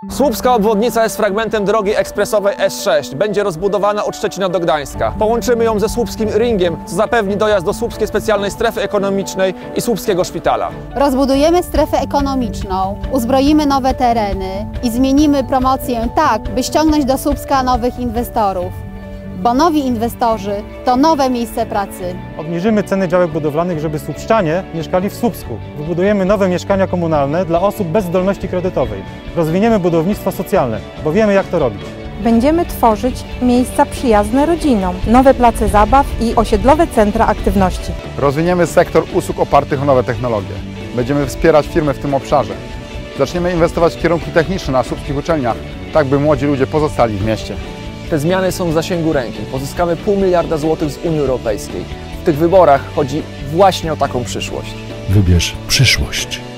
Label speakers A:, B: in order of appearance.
A: Słupska obwodnica jest fragmentem drogi ekspresowej S6. Będzie rozbudowana od Szczecina do Gdańska. Połączymy ją ze słupskim ringiem, co zapewni dojazd do Słupskiej Specjalnej Strefy Ekonomicznej i Słupskiego Szpitala.
B: Rozbudujemy strefę ekonomiczną, uzbroimy nowe tereny i zmienimy promocję tak, by ściągnąć do Słupska nowych inwestorów. Bo nowi inwestorzy to nowe miejsce pracy.
C: Obniżymy ceny działek budowlanych, żeby słupszczanie mieszkali w Słupsku. Wybudujemy nowe mieszkania komunalne dla osób bez zdolności kredytowej. Rozwiniemy budownictwo socjalne, bo wiemy, jak to robić.
D: Będziemy tworzyć miejsca przyjazne rodzinom, nowe place zabaw i osiedlowe centra aktywności.
E: Rozwiniemy sektor usług opartych o nowe technologie. Będziemy wspierać firmy w tym obszarze. Zaczniemy inwestować w kierunki techniczne na słupskich uczelniach, tak by młodzi ludzie pozostali w mieście.
A: Te zmiany są w zasięgu ręki. Pozyskamy $0,5 miliarda z Unii Europejskiej. W tych wyborach chodzi właśnie o taką przyszłość.
F: Wybierz przyszłość.